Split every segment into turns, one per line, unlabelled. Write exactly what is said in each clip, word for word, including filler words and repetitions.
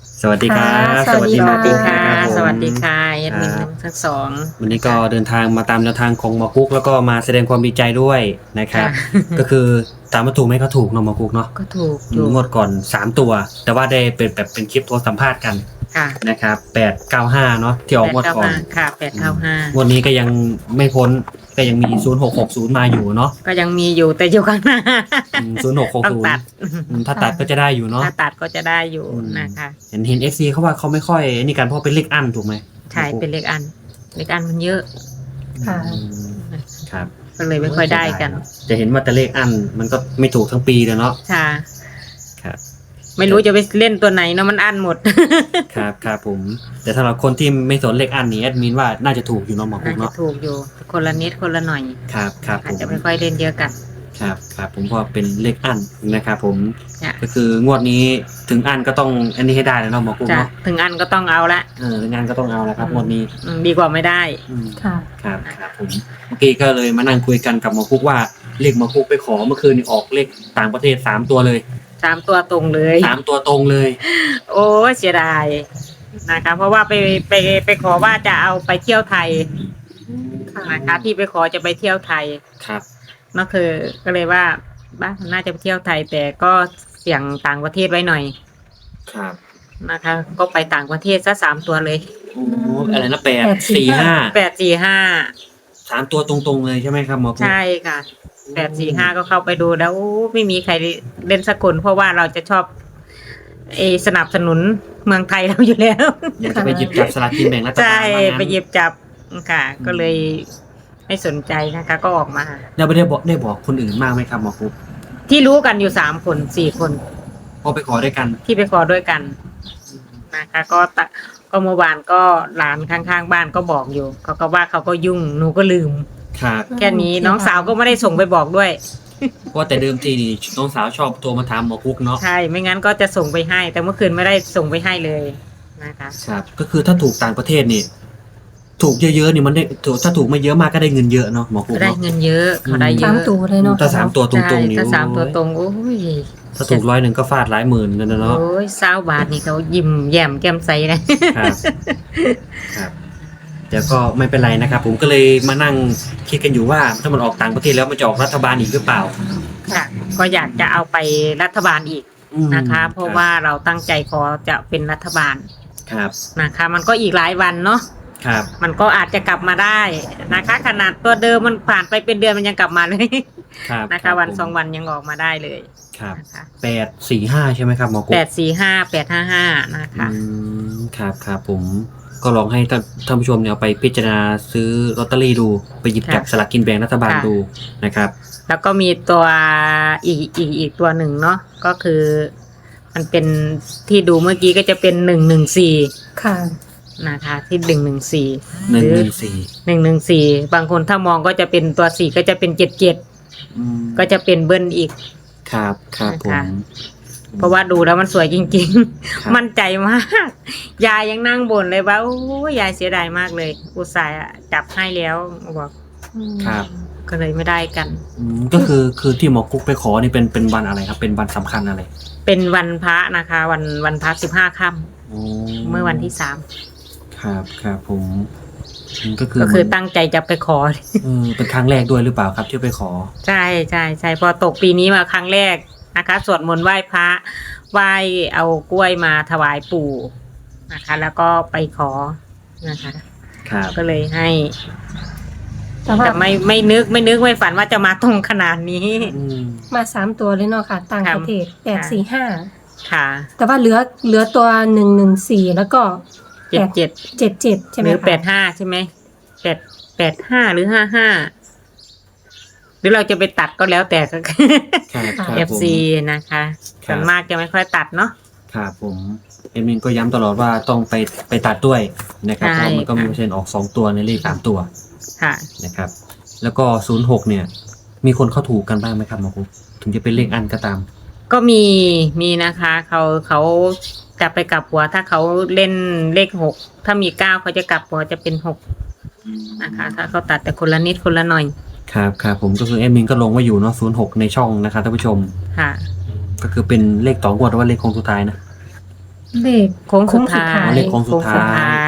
สวัสดีครั
ค่ะ
บ
สวัสดี
สวัสดีหมอกุ๊ก
ค่ะ
นะครับผม
สวัสดีค่ะแอดมิน
ครับ
ทั้งสอง
วันนี้ก็
นะคะ
เดินทางมาตามแนวทางของหมอกุ๊กแล้วก็มาแสดงความดีใจด้วยนะครั
ค่ะ
บก็คือถามว่าถูกไหมก็ถูกเนาะหมอกุ๊กเนาะ
ก็ถูก
อื
อยู่
มงวดก่อนสามตัวแต่ว่าได้เป็นแบบเป็นคลิปโทรสัมภาษณ์กัน
ค่ะ
นะครับแปดเก้าห้าเนาะที่ออกงวด
แปดเก้า
ก่อน
ห้าค่ะแปด
อืม
เก้าห้า
งวดนี้ก็ยังไม่พ้นก็ยังมีศูนย์หกหกศูนย์มาอยู่เนาะ
ก็ยังมีอยู่แต่อยู่ข้างหน้า
ศูนย์หกหก
ต้อง
ศูนย์
ตัด
ถ้าตัดก็จะได้อยู่เนาะ
ถ้าตัดก็จะได้อยู่
อืม
นะคะ
เห็นเห็นเอฟซีเขาว่าเขาไม่ค่อยนี่กันเพราะเป็นเลขอั้นถูกไหม
ใช่เป็นเลขอันเลขอันมันเยอะ
ค่ะ
อืมครับ
ก็เลยไม่ค่อยได้กัน
จะเห็นว่าแต่เลขอันมันก็ไม่ถูกทั้งปีเลยเนาะ
ค่ะ
ครับ
ไม่รู้จะไปเล่นตัวไหนเนาะมันอันหมด
ครับครับผม แต่สำหรับคนที่ไม่สนเลขอันนี้แอดมินว่าน่าจะถูกอยู่เนาะหมอกุ๊
น่าก จะ
เนาะ
ถูกอยู่คนละนิดคนละหน่อย
ครับครับผ
อาจ
ม
จะไม่ค่อยเล่นเยอะกัน
ครับครับผมก็เป็นเลขอันนะครับผม
จ้ะ
ก็คืองวดนี้ถึงอันก็ต้องอันนี้ให้ได้แล้วเนาะหมอกุ๊ก
จ้ะ
เนาะ
ถึงอันก็ต้องเอาละ
เออถึงอันก็ต้องเอาแล้วครับงวดนี้
อืมดีกว่าไม่ได้
อืม
ค่ะ
ครับครับผมเมื่อกี้ก็เลยมานั่งคุยกันกับหมอกุ๊กว่าเลขหมอกุ๊กไปขอเมื่อคืนนี่ออกเลขต่างประเทศสามตัวเลย
สามตัวตรงเลย
สามตัวตรงเลย
โอ้เสียดายนะคะเพราะว่าไปไปไปขอว่าจะเอาไปเที่ยวไทยนะคะที่ไปขอจะไปเที่ยวไทย
ครับ
ก็คือก็เลยว่าบ้านน่าจะไปเที่ยวไทย แต่ก็เสี่ยงต่างประเทศไว้หน่อย
ครับ
นะคะ ก็ไปต่างประเทศซะสามตัวเลย
โอ้อะไรนะแปด
แปดสี่
สี่ห้า
แปดสี่ห้า
สามตัวตรงๆเลยใช่ไหมครับหมอกุ๊ก
ใช่ค่ะแปดสี่ห้าก็เข้าไปดูแล้วโอ้ไม่มีใครเล่นสักคนเพราะว่าเราจะชอบเออสนับสนุนเมืองไทยเราอยู่แล้ว
อยากจะไปหยิบจับสลากกินแบ่งรัฐบาล
ใช่
ว่างั้น
ไปหยิบจับค่ะ ก็เลยไม่สนใจนะคะ ก็ออกมา
แล้วไม่ได้บอกได้บอกคนอื่นมากไหมครับหมอกุ๊ก
ที่รู้กันอยู่สามคนสี่คน
พอไปขอด้วยกัน
ที่ไปขอด้วยกันนะคะ ก็ตะก็เมื่อวานก็หลานข้างๆบ้านก็บอกอยู่เขาก็ว่าเขาก็ยุ่งหนูก็ลืม
ครับ
แค่นี้น้องสาวก็ไม่ได้ส่งไปบอกด้วย
เพราะแต่เดิมทีนี่น้องสาวชอบโทรมาถามหมอกุ๊กเนาะ
ใช่ไม่งั้นก็จะส่งไปให้ แต่เมื่อคืนไม่ได้ส่งไปให้เลยนะคะ
ครับก็คือถ้าถูกต่างประเทศนี่ ถูกเยอะๆนี่มันได้ถูกถ้าถูกไม่เยอะมากก็ได้เงินเยอะเนาะหมอกุ๊ก
ได้
เนาะ
เงินเยอะเขาได้เย
สาม
อะ
ตัวเลยเนาะ
ถ้าสามตัวตรงๆนี่
ใช่ถ้าสามตัวต
โอ้ย
รงโอ้ย
ถ้าถูกร้อยหนึ่งก็ฟาดหลายหมื่นเลยนะเนาะ
โอ้ยเศร้าบาทนี่เขายิ้มแย้มแก้มใสนะครับ
ครับแต่ก็ไม่เป็นไรนะครับ ผมก็เลยมานั่งคิดกันอยู่ว่าถ้ามันออกต่างประเทศแล้วมันจะออกรัฐบาลอีกหรือเปล่า
ค่ะ ก็อยากจะเอาไปรัฐบาลอีก
อืม
นะคะ เพราะว่าเราตั้งใจขอจะเป็นรัฐบาล
ครับ
นะคะ มันก็อีกหลายวันเนาะ
ครับ
มันก็อาจจะกลับมาได้นะคะ ขนาดตัวเดิมมันผ่านไปเป็นเดือนมันยังกลับมาเลย
ครับ
นะ
ครั
คะ
บ
วัน
ผม
สองวันยังออกมาได้เลย
ครับ
นะคะ
แปดสี่ห้าใช่ไหมครับหมอกุ๊
แป
ก
ดสี่ห้าแปดห้าห้านะคะ
อืมครับครับผมก็ลองให้ท่านท่านผู้ชมเนี่ยเอาไปพิจารณาซื้อลอตเตอรี่ดูไปหยิบจับ
ค่ะ
สลากกินแบ่งรัฐบาล
ค่ะ
ดูนะครับ
แล้วก็มีตัวอีกอีกอีกตัวหนึ่งเนาะก็คือ มันเป็นที่ดูเมื่อกี้ก็จะเป็นหนึ่งหนึ่งสี่
ค่ะ
นะคะ ที่หนึ่งหนึ่งสี่
หนึ่งหนึ่งสี่
หนึ่งหนึ่งสี่บางคนถ้ามองก็จะเป็นตัวสี่ก็จะเป็นเจ็ดเจ็ด
อืม
ก็จะเป็นเบิ้ลอีก
ครับครับผม
นะคะ เพราะว่าดูแล้วมันสวยจริง
ครับ
ๆ มั่นใจมาก ยายยังนั่งบ่นเลยว่าโอ้ยยายเสียดายมากเลย อุตส่าห์จับให้แล้วบอก
ครับ
ก็เลยไม่ได้กัน
อืมก็คือคือที่หมอกุ๊กไปขอนี่เป็นเป็นวันอะไรครับ เป็นวันสำคัญอะไร
เป็นวันพระนะคะ วันวันพระสิบห้าค่
โอ้
ำเมื่อวันที่สาม
ครับครับผมอืมก็คือ
ก็คือ
มัน
ตั้งใจจะไปขอ
เออเป็นครั้งแรกด้วยหรือเปล่าครับที่ไปขอ
ใช่ใช่ใช่พอตกปีนี้มาครั้งแรกนะคะสวดมนต์ไหว้พระไหว้เอากล้วยมาถวายปู่นะคะ แล้วก็ไปขอนะคะ
ครับ
ก็เลยให้
แต่ว่า
แต่ไม่ไม่นึกไม่นึกไม่ฝันว่าจะมาตรงขนาดนี้
อืม
มาสามตัวเลยเนาะค่ะ ต่างประเทศแปดสี่ห้า
ค่ะ
แต่ว่าเหลือเหลือตัวหนึ่งหนึ่งสี่แล้วก็
เจ็ดเจ็ด
เจ็ดเจ็ดใช่ไห
ห
ม
รือ
คะ
แปดห้าใช่ไหมแปดแปดห้าหรือห้าห้าหรือเราจะไปตัดก็แล้วแต่
ครับครับ
เอฟ
ผม
ซีนะคะ
ครั
ส่
บ
วนมากจะไม่ค่อยตัดเนาะ
ครับผมเอ็มมินก็ย้ำตลอดว่าต้องไปไปตัดด้วยนะครับเพ
ใช่
ราะมันก็มี
ค่ะ
เปอร์เซ็นต์ออกสองตัวในเลขสามตัว
ค่ะ
นะครับ แล้วก็ศูนย์หกเนี่ย มีคนเข้าถูกกันบ้างไหมครับหมอกุ๊กถึงจะเป็นเลขอันก็ตาม
ก็มีมีนะคะเขาเขากลับไปกลับหัว ถ้าเขาเล่นเลขหกถ้ามีเก้าเขาจะกลับหัวจะเป็นหกนะคะ ถ้าเขาตัดแต่คนละนิดคนละหน่อย
ครับครับผมก็คือเอ็มมินก็ลงไว้อยู่เนาะศูนย์หกในช่องนะครับท่านผู้ชม
ค่ะ
ก็คือเป็นเลขต่องวดหรือว่าเลขโค้งสุดท้ายนะ
เลข
โค้งสุดท้า
โค้งสุดท้าย
ย
เลขโค้งสุดท้าย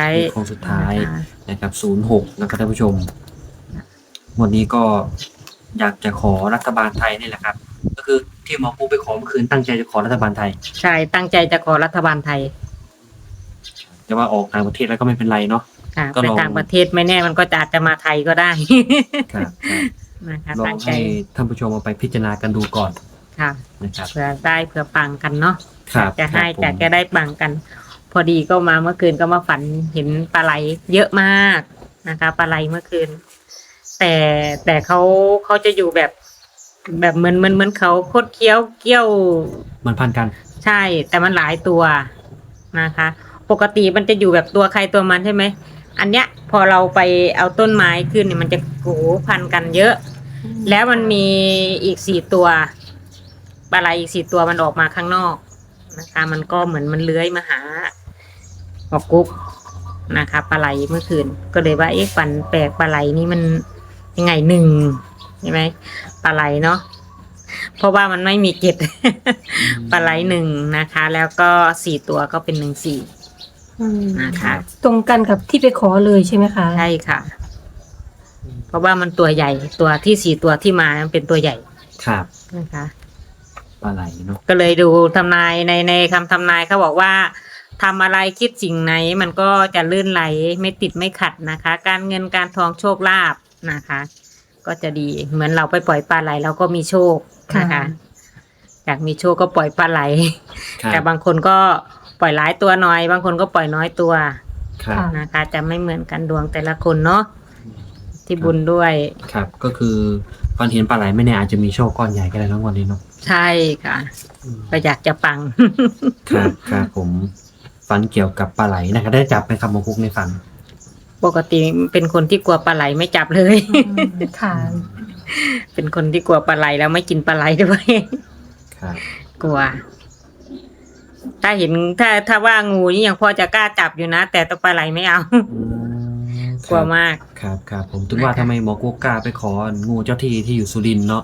ย
เลขโค้งสุดท้าย
นะคะ
นะครับศูนย์หกนะครับท่านผู้ชมวันนี้ก็อยากจะขอรัฐบาลไทยนี่แหละครับ ก็คือที่หมอปูไปขอเมื่อคืนตั้งใจจะขอรัฐบาลไทย
ใช่ตั้งใจจะขอรัฐบาลไทย
แต่ว่าออกต่างประเทศแล้วก็ไม่เป็นไรเนาะ
ค่ะ
ก็
ไป
ลอง
ต่างประเทศไม่แน่มันก็จะอาจจะมาไทยก็ได้
ครับครับ
นะคะ
ลอ
ตั้
ง
งใจ
ให้ท่านผู้ชมเอาไปพิจารณากันดูก่อน
ค่ะ
นะครับ
เผื่อได้เผื่อปังกันเนาะ
ครับ
จะให้
ครับผม
จะจะได้ปังกัน พอดีก็มาเมื่อคืนก็มาฝันเห็นปลาไหลเยอะมากนะคะปลาไหลเมื่อคืน แต่แต่เขาเขาจะอยู่แบบ แบบเหมือนเหมือนเหมือนเขาโคดเคี้ยวเกี้ยว
มันพันกัน
ใช่ แต่มันหลายตัวนะคะ ปกติมันจะอยู่แบบตัวใครตัวมันใช่ไหมอันเนี้ยพอเราไปเอาต้นไม้ขึ้นเนี่ยมันจะโหพันกันเยอะ แล้วมันมีอีกสี่ตัวปลาไหลอีกสี่ตัวมันออกมาข้างนอกนะคะ มันก็เหมือนมันเลื้อยมาหาหอกกุ๊กนะคะปลาไหลเมื่อคืน ก็เลยว่าเอ๊ะปันแปลกปลาไหลนี่มันยังไงหนึ่งใช่ไหมปลาไหลเนาะเพราะว่ามันไม่มีเกล็ด ปลาไหลหนึ่งนะคะ แล้วก็สี่ตัวก็เป็นหนึ่งสี่
อืม
นะคะ
ตรงกันกับที่ไปขอเลยใช่ไหมคะ
ใช่ค่ะ เพราะว่ามันตัวใหญ่ตัวที่สี่ตัวที่มามันเป็นตัวใหญ่
ครับ
นะคะ
ปลาไหลเนาะ
ก็เลยดูทำนายในในคำทำนายเขาบอกว่าทำอะไรคิดสิ่งไหน มันก็จะลื่นไหลไม่ติดไม่ขัดนะคะ การเงินการทองโชคลาภนะคะ ก็จะดีเหมือนเราไปปล่อยปลาไหลเราก็มีโชคนะคะอยากมีโชคก็ปล่อยปลาไหล
ครับ
แต่บางคนก็ปล่อยหลายตัวน้อย บางคนก็ปล่อยน้อยตัว
ครับ
นะคะ จะไม่เหมือนกันดวงแต่ละคนเนาะที่บุญด้วย
ครับก็คือฟันเห็นปลาไหลไม่แน่อาจจะมีโชคก้อนใหญ่ก็ได้ทั้งวันนี้เนาะ
ใช่ค่ะก็อยากจะปัง
ครับครับผมฝันเกี่ยวกับปลาไหลนะครับได้จับไหมครับหมอคุกในฝัน
ปกติเป็นคนที่กลัวปลาไหลไม่จับเลย
อืมค่ะ
เป็นคนที่กลัวปลาไหลแล้วไม่กินปลาไหลด้วย
ครับ
กลัว ถ้าเห็นถ้าถ้าว่างูนี่ยังพอจะกล้าจับอยู่นะ แต่ตัวปลาไหลไม่เอา
อืม
กลัวมาก
ครับครับผมถึงว่าทำไมหมอกุ๊กกล้าไปของูเจ้าที่ที่อยู่สุรินทร์เนาะ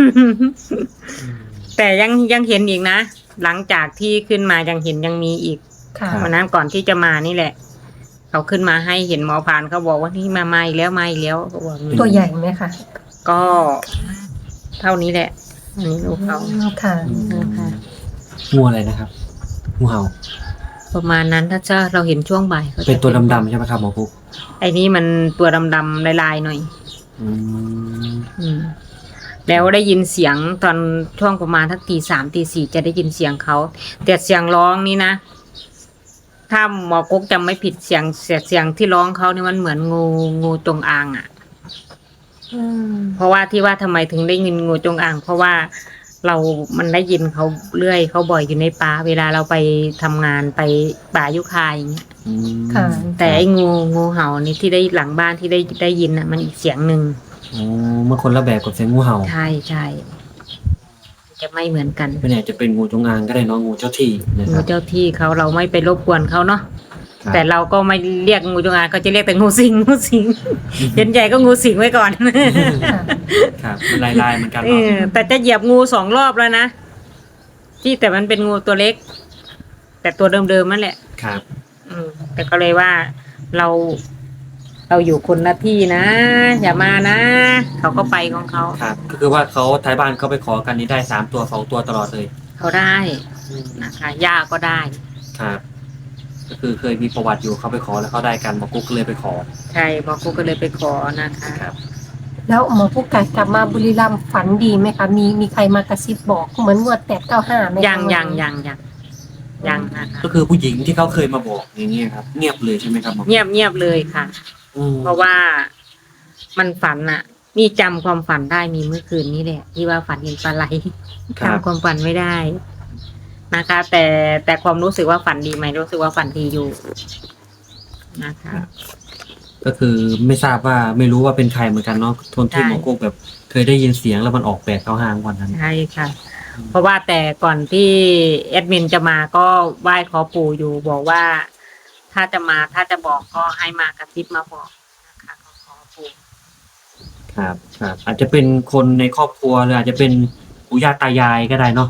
แต่ยังยังเห็นอีกนะ หลังจากที่ขึ้นมายังเห็นยังมีอีก
ค่ะ
วันนั้นก่อนที่จะมานี่แหละ เขาขึ้นมาให้เห็นหมอพานเขาบอกว่านี่มามาอีกแล้วมาอีกแล้วเขาบอกอย่างนี้
ตัวใหญ่ไหมคะ
ก็เท่านี้แหละ อันนี้ลูกเขา
อืมค่ะ
นะคะ
งูอะไรนะครับงูเห่า
ประมาณนั้นถ้าจะเราเห็นช่วงบ่ายขาจะ
เป็นตัวดำๆใช่ไหมครับหมอกุ๊ก
ไอ้นี่มันตัวดำๆลายๆหน่อย
อืม
อืม แล้วได้ยินเสียงตอนช่วงประมาณทักตีสามตีสี่จะได้ยินเสียงเขาแต่เสียงร้องนี่นะถ้าหมอกุ๊กจำไม่ผิดเสียงเสียงเสียงที่ร้องเขาเนี่ยมันเหมือนงูงูจงอางอ่ะ
อืม
เพราะว่าที่ว่าทำไมถึงได้ยินงูจงอาง เพราะว่าเรามันได้ยินเขาเรื่อยเขาบ่อยอยู่ในป่าเวลาเราไปทำงานไปป่ายุคาอย่างเงี้ย
อืม
ค่ะ
แต่ไอ้งูงูเห่านี่ที่ได้หลังบ้านที่ได้ได้ยินน่ะ มันอีกเสียงหนึ่ง
อ๋อเมื่อคนละแบบกับเสียงงูเห่า
ใช่ใช่จะไม่เหมือนกัน
ไม่แน่จะเป็นงูจงอางก็ได้เน้องงูเจ้าที่นะค
งู
รับ
เจ้าที่เขาเราไม่ไปรบกวนเขาเนาะ
ครับ
แต่เราก็ไม่เรียกงูจงอางเขาจะเรียกแต่งูสิงงูสิงเห็นใหญ่ก็งูสิงไว้ก่อน
ค่ะ
ครับเป็นลายๆเหมือนกัน
เอ
เนาะ
อแต่จะเหยียบงูสองรอบแล้วนะที่แต่มันเป็นงูตัวเล็ก แต่ตัวเดิมๆนั่นแหละ
ครับ
อืมแต่ก็เลยว่าเราเราอยู่คนละที่นะ อย่ามานะ เขาก็ไปของเขา
ครับก็คือว่าเขาท้ายบ้านเขาไปขอกันนี้ได้สามตัวสองตัวตลอดเลย
เขาได้นะคะย่าก็ได้
ครับ ก็คือเคยมีประวัติอยู่เขาไปขอแล้วเขาได้กันหมอกุ๊กก็เลยไปขอ
ใช่บอกกูก็เลยไปขอนะคะ
ครับ
แล้วหมอผู้ไก่กลับมาบุรีรัมย์ฝันดีไหมคะ มีมีใครมากระซิบบอกเหมือนงวดแปดเก้าห้าไหมคะ
ยังยังยังยังยังนะคะ
ก็คือผู้หญิงที่เขาเคยมาบอกอย่างเงี้ยครับ เงียบเลยใช่ไหมครับหมอ
เงียบเงียบเลยค่ะ
อืม
เพราะว่ามันฝันอะนี่จำความฝันได้มีเมื่อคืนนี้แหละที่ว่าฝันเห็นปลาไหล
ครับ
จำความฝันไม่ได้นะคะ แต่แต่ความรู้สึกว่าฝันดีไหมรู้สึกว่าฝันดีอยู่นะคะ
ก็คือไม่ทราบว่าไม่รู้ว่าเป็นใครเหมือนกันเนาะทนที่
ใช่
หมอกุ๊กแบบ เคยได้ยินเสียงแล้วมันออกแปดเก้าห้าวันนั้น
ใช่ค่ะ เพราะว่าแต่ก่อนที่แอดมินจะมาก็ไหว้ขอปู่อยู่บอกว่า ถ้าจะมาถ้าจะบอกก็ให้มากระซิบมาบอกนะคะก็ขอปู่
ครับครับอาจจะเป็นคนในครอบครัวหรืออาจจะเป็นปู่ย่าตายายก็ได้เนาะ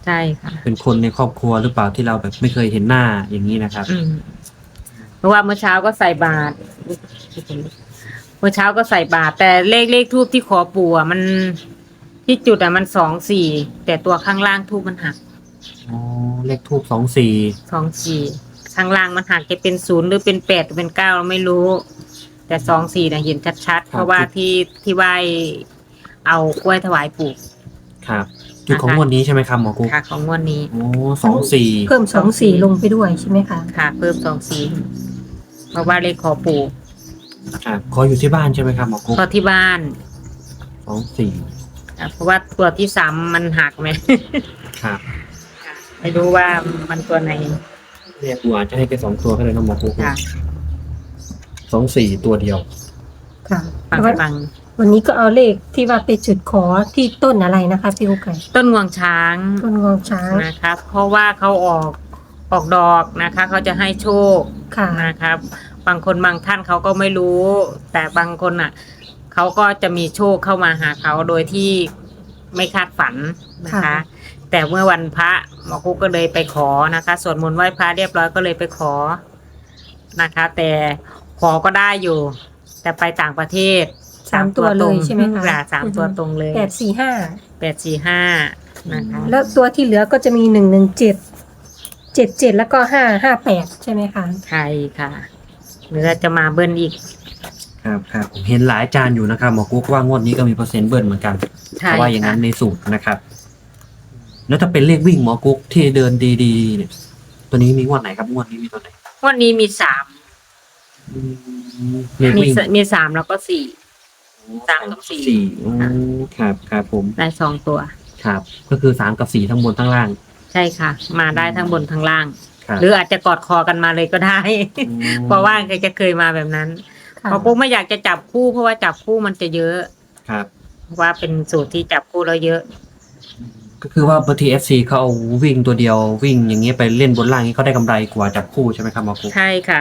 ใช่ค่ะ
เป็นคนในครอบครัวหรือเปล่าที่เราแบบไม่เคยเห็นหน้าอย่างนี้นะครับ
อืมเพราะว่าเมื่อเช้าก็ใส่บาตรเมื่อเช้าก็ใส่บาตรแต่เลขเลขทูบที่ขอปู่อ่ะมันที่จุดอ่ะมันสองสี่แต่ตัวข้างล่างทูบมันหัก
อ๋อเลขทูบสองสี่
สองสี่ข้างล่างมันหักจะเป็นศูนย์หรือเป็นแปดหรือเป็นเก้าเราไม่รู้ แต่สองสี่นะเห็นชัดๆเพราะว่าที่ที่ไหวเอากล้วยถวายปู่
ครับจุดของงวดนี้ใช่ไหมครับหมอกุ๊ก
ค่ะของงวดนี้
โอ้สองสี่
เพิ่มสองสี่ลงไปด้วยใช่ไหมคะ
ค่ะ เพิ่มสองสี่เพราะว่าเลขขอปู่
ครับขออยู่ที่บ้านใช่ไหมครับหมอกุ๊ก
พอที่บ้าน
สองสี่
อ่ะเพราะว่าตัวที่สามมันหักไหม
ครับ
ไม่รู้ว่ามันตัวไหน
เรียกกูอาจจะให้ไปสองตัวก็เลยนะหมอกุ๊ก
ค่ะ
สองสี่ตัวเดียว
ค่ะ
ฟัง
แล้ว
ฟัง
วันนี้ก็เอาเลขที่ว่าไปจุดขอที่ต้นอะไรนะคะพี่กุ๊กไก่
ต้นงวงช้าง
ต้นงวงช้าง
นะคะเพราะว่าเขาออกออกดอกนะคะเขาจะให้โชค
ค่ะ
นะครับ บางคนบางท่านเขาก็ไม่รู้ แต่บางคนอ่ะเขาก็จะมีโชคเข้ามาหาเขาโดยที่ไม่คาดฝันนะคะ
ค่ะ
แต่เมื่อวันพระหมอกุ๊กก็เลยไปขอนะคะสวดมนต์ไหว้พระเรียบร้อยก็เลยไปขอนะคะ แต่ขอก็ได้อยู่ แต่ไปต่างประเทศ
สามตัวเลยใช่ไหมคะ
ค่ะสามตัวตรงเลย
แปดสี่ห้า
แปดสี่ห้านะคะ
แล้วตัวที่เหลือก็จะมีหนึ่งหนึ่งเจ็ดเจ็ดเจ็ดแล้วก็ห้าห้าแปดใช่ไหมคะ
ใช่ค่ะหรือจะมาเบิ้ลอีก
ครับครับผมเห็นหลายอาจารย์อยู่นะครับหมอกุ๊กว่างวดนี้ก็มีเปอร์เซ็นต์เบิร์นเหมือนกัน
ใช่
เพราะว่าอย่างนั้น
ค่ะ
ในสูตรนะครับ แล้วถ้าเป็นเลขวิ่งหมอกุ๊กที่เดินดีๆเนี่ยตัวนี้มีงวดไหนครับงวดนี้มีตัวไหน
วันนี้มีสาม
อืมเลข
มี
วิ่ง
สมีสามแล้วก็สี่ สามกับสี่
สี่อืมครับครับผม
ได้สองตัว
ครับ ก็คือสามกับสี่ทั้งบนทั้งล่าง
ใช่ค่ะ มาได้ทั้งบนทั้งล่าง
ครับ
หรืออาจจะกอดคอกันมาเลยก็ได้
อืม
เพราะว่าเคยจะเคยมาแบบนั้น
ค่ะ
เพราะปุ๊กไม่อยากจะจับคู่เพราะว่าจับคู่มันจะเยอะ
ครับ
เพราะว่าเป็นสูตรที่จับคู่แล้วเยอะ
ก็คือว่าบางทีเอฟซีเขาเอาวิ่งตัวเดียววิ่งอย่างเงี้ยไปเล่นบนล่างนี้เขาได้กำไรกว่าจับคู่ใช่ไหมครับหมอกุ๊ก
ใช่ค่ะ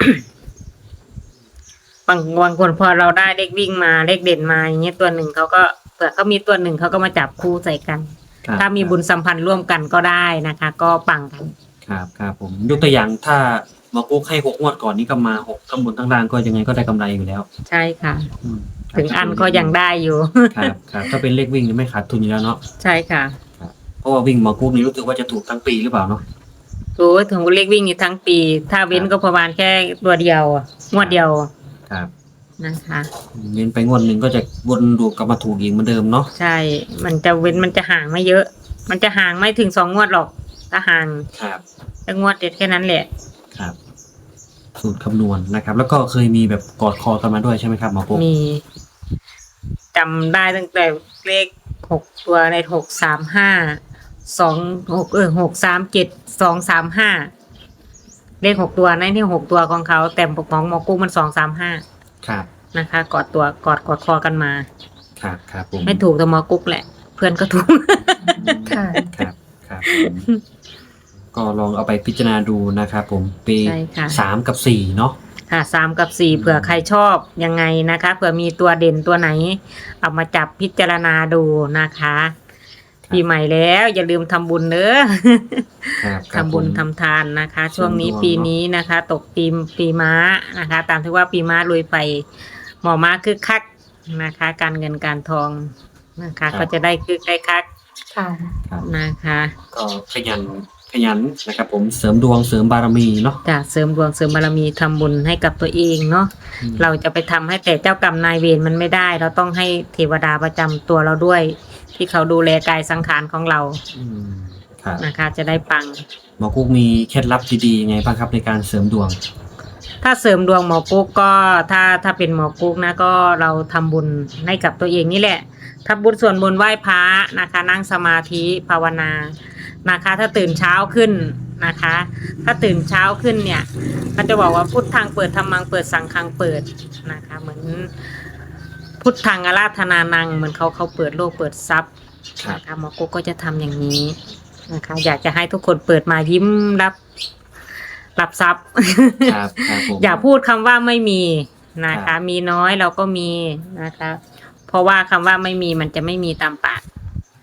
บางบางคนพอเราได้เลขวิ่งมาเลขเด่นมาอย่างเงี้ยตัวหนึ่งเขาก็เผื่อเขามีตัวหนึ่งเขาก็มาจับคู่ใส่กัน
ครับ
ถ้ามีบุญสัมพันธ์ร่วมกันก็ได้นะคะ ก็ปังกัน
ครับครับผมยกตัวอย่างถ้าหมอกุ๊กให้หกงวดก่อนนี้ก็มาหกทั้งบนทั้งล่างก็ยังไงก็ได้กำไรอยู่แล้ว
ใช่ค่ะ
อืม
ถึงอันก็ยังได้อยู่
ครับครับถ้าเป็นเลขวิ่งนี่ไม่ขาดทุนอยู่แล้วเนาะ
ใช่ค่ะ
เพราะว่าวิ่งหมอกุ๊กนี่รู้สึกว่าจะถูกทั้งปีหรือเปล่าเนาะ
โอ้ยถึงเลขวิ่งนี่ทั้งปี ถ้าเว้นก็ประมาณแค่ตัวเดียวอะงวดเดียว
ครับ
นะคะ
เว้นไปงวดหนึ่งก็จะวนลูปกลับมาถูกอีกเหมือนเดิมเนาะ
ใช่ มันจะเว้นมันจะห่างไม่เยอะ มันจะห่างไม่ถึงสองงวดหรอก ถ้าห่าง
ครับ
แต่งวดเด็ดแค่นั้นแหละ
ครับ สูตรคำนวณนะครับ แล้วก็เคยมีแบบกอดคอกันมาด้วยใช่ไหมครับหมอกุ๊ก
มีจำได้ตั้งแต่เลขหกตัวในหกสามห้าสองหกเออหกสามเจ็ดสองสามห้าเลขหกตัวในที่หกตัวของเขาแต่ของหมอกุ้งมันสองสามห้า
ครับ
นะคะ กอดตัวกอดกอดคอกันมา
ครับครับผม
ไม่ถูกแต่หมอกุ๊กแหละ เพื่อนก็ถูก
ค่ะ
ครับครับผมก็ลองเอาไปพิจารณาดูนะครับผมปี
ใช่ค่ะ
สามกับสี่เนาะ
ค่ะสามกับสี่เผื่อใครชอบยังไงนะคะเผื่อมีตัวเด่นตัวไหน เอามาจับพิจารณาดูนะคะปีใหม่แล้วอย่าลืมทำบุญเนอะ
ครับครับ
ทำบุญ
ผม
ทำทานนะคะ ช่วงนี้
เสริมดวง
ปีนี้นะคะ ตกปีปีม้านะคะ ตามที่ว่าปีม้าลุยไปหมอม้าคึกคักนะคะ การเงินการทองนะคะ ก็จะได้คึกได้คัก
ค่ะ
ครับ
นะคะ
ก็ขยันขยันนะครับ ผมเสริมดวงเสริมบารมีเนาะ
จะเสริมดวงเสริมบารมีทำบุญให้กับตัวเองเนาะ
อืม
เราจะไปทำให้แต่เจ้ากรรมนายเวรมันไม่ได้ เราต้องให้เทวดาประจำตัวเราด้วย ที่เขาดูแลกายสังขารของเรา
อืมครับ
นะคะ จะได้ปัง
หมอกุ๊กมีเคล็ดลับดีๆยังไงบ้างครับในการเสริมดวง
ถ้าเสริมดวงหมอกุ๊กก็ถ้าถ้าเป็นหมอกุ๊กนะก็เราทำบุญให้กับตัวเองนี่แหละทำบุญส่วนบุญไหว้พระนะคะ นั่งสมาธิภาวนานะคะ ถ้าตื่นเช้าขึ้นนะคะ ถ้าตื่นเช้าขึ้นเนี่ยเขาจะบอกว่าพุทธังเปิดธรรมังเปิดสังฆังเปิดนะคะ เหมือนพุทธังอาราธนานังเหมือนเขาเขาเปิดโลกเปิดทรัพย์
ครับ
นะคะหมอกุ๊กก็จะทำอย่างนี้นะคะ อยากจะให้ทุกคนเปิดมายิ้มรับรับทรัพย์
ครับครับผม
อย่าพูดคำว่าไม่มีนะ
ครั
คะ
บ
มีน้อยเราก็มีนะคะ เพราะว่าคำว่าไม่มีมันจะไม่มีตามปาก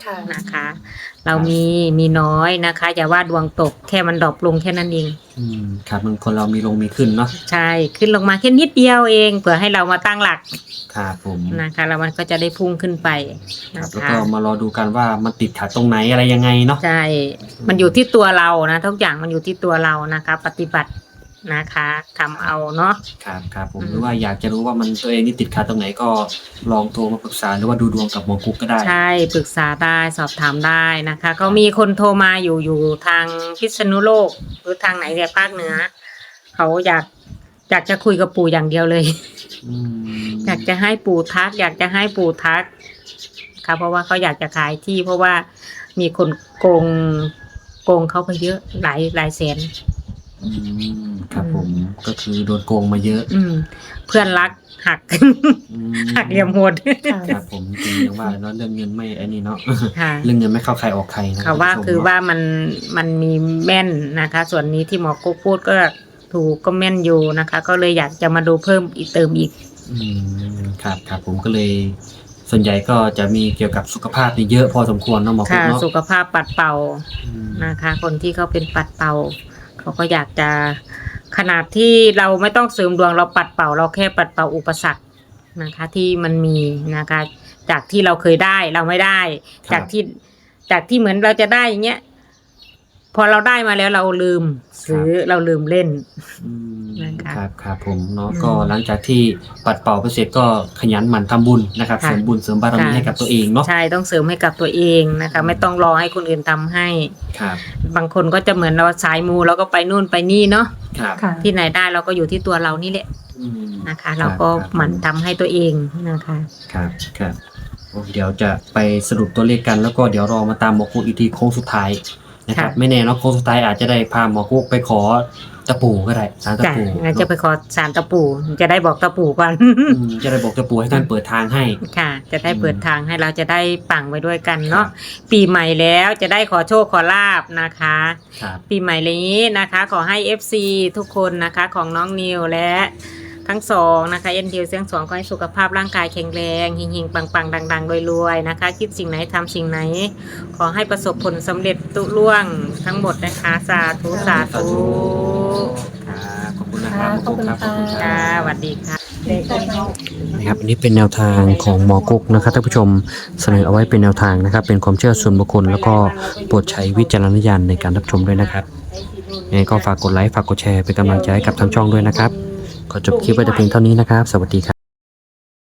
ค่ะ
นะคะ เรามีมีน้อยนะคะ อย่าว่าดวงตกแค่มันดรอปลงแค่นั้นเอง
อืมครับมันคนเรามีลงมีขึ้นเนาะ
ใช่ขึ้นลงมาแค่นิดเดียวเองเผื่อให้เรามาตั้งหลัก
ครับผม
นะคะแล้วมันก็จะได้พุ่งขึ้นไป
ครั
นะ
บแล้ว
คะ
ก็มารอดูกันว่ามันติดขัดตรงไหนอะไรยังไงเนาะ
ใช่ มันอยู่ที่ตัวเรานะทุกอย่างมันอยู่ที่ตัวเรานะคะ ปฏิบัตินะคะทำเอาเนาะ
ครับครับผม
อืม
หรือว่าอยากจะรู้ว่ามันตัวเองนี่ติดขัดตรงไหนก็ลองโทรมาปรึกษาหรือว่าดูดวงกับหมอกุ๊กก็ได้
ใช่ปรึกษาได้สอบถามได้นะคะก็มีคนโทรมาอยู่อยู่ทางพิษณุโลกหรือทางไหนเนี่ยภาคเหนือเขาอยากอยากจะคุยกับปู่อย่างเดียวเลย
อืม
อยากจะให้ปู่ทัก อยากจะให้ปู่ทักค่ะเพราะว่าเขาอยากจะขายที่เพราะว่ามีคนโกงโกงเขาไปเยอะหลายหลายแสน
อืมครับผมก็คือโดนโกงมาเยอะ
อืม เพื่อนรักหัก
อืม
หักเหลี่ยมโหด
ค่ะ
ครับผมจริงอย่างว่าเนาะเรื่องเงินไม่ไอ้นี่เนาะ
ค่ะ
เรื่องเงินไม่เข้าใครออกใครนะ
เขาว่า
ณผู้ชม
คือ
เนะ
ว่ามันมันมีแม่นนะคะ ส่วนนี้ที่หมอกุ๊กพูดก็ถูกก็แม่นอยู่นะคะ ก็เลยอยากจะมาดูเพิ่มอีกเติมอีก
อืมครับครับผมก็เลย ส่วนใหญ่ก็จะมีเกี่ยวกับสุขภาพนี่เยอะพอสมควรเนาะหมอกุ๊
ค่ะ
กเนาะ
สุขภาพปัดเป่า
อืม
นะคะ คนที่เขาเป็นปัดเป่า เขาก็อยากจะขนาดที่เราไม่ต้องเสริมดวงเราปัดเป่า เราแค่ปัดเป่าอุปสรรคนะคะ ที่มันมีนะคะ จากที่เราเคยได้เราไม่ได้ จากที่จากที่เหมือนเราจะได้อย่างเงี้ยพอเราได้มาแล้วเราลืมซื้อเราลืมเล่น
อืม
นะคะ
ครับครับผมเนาะ
อืม
ก็หลังจากที่ปัดเป่าไปเสร็จก็ขยันหมั่นทำบุญนะครับ
ค่ะ
เสริมบุญเสริมบารมี
ค่ะ
ให้กับตัวเองเนาะ
ใช่ต้องเสริมให้กับตัวเองนะคะ ไม่ต้องรอให้คนอื่นทำให้
ครับ
บางคนก็จะเหมือนเราสายมูเราก็ไปนู่นไปนี่เนาะ
ครับ
ค่ะ
ที่ไหนได้เราก็อยู่ที่ตัวเรานี่แหละ
อืม
นะคะ
ครับ
เราก็
ครับ
หมั่นทำให้ตัวเองนะคะ
ครับครับโอ้เดี๋ยวจะไปสรุปตัวเลขกันแล้วก็เดี๋ยวรอมาตามหมอกุ๊กอีกทีโค้งสุดท้ายนะครับ
ค่ะ
ไม่แน่เนาะโค้งสุดท้ายอาจจะได้พาหมอกุ๊กไปขอตะปูก็ได้สารตะ
จ้ะ
ปู
งั้นจะไปขอสารตะปูจะได้บอกตะปูก่อน
อืมจะได้บอกตะปูให้ท่านเปิดทางให้
ค่ะ จะได้เปิดทางให้เราจะได้ปังไปด้วยกันเนาะ
ครับ
ปีใหม่แล้วจะได้ขอโชคขอลาบนะคะ
ครับ
ปีใหม่นี้นะคะ ขอให้ เอฟ ซี ทุกคนนะคะของน้องนิวและทั้งสองนะคะเอ็นดิวเสียงสองขอให้สุขภาพร่างกายแข็งแรงเฮงๆปังๆดังๆรวยๆนะคะ คิดสิ่งไหนทำสิ่งไหน ขอให้ประสบผลสำเร็จตุล่วงทั้งหมดนะคะสาธุสาธุ
ครับขอบคุณนะครับ
ขอบคุณ
ขอบคุณค
ค่ะ
รับ
ค่ะสวัสดีค่ะ
นะครับอันนี้เป็นแนวทางของหมอกุ๊กนะครับท่านผู้ชมเสนอเอาไว้เป็นแนวทางนะครับ เป็นความเชื่อส่วนบุคคลแล้วก็โปรดใช้วิจารณญาณในการรับชมด้วยนะครับยังไงก็ฝากกดไลค์ฝากกดแชร์เป็นกำลังใจให้กับทางช่องด้วยนะครับขอจบคลิปไว้แต่เพียงเท่านี้นะครับ สวัสดีครับ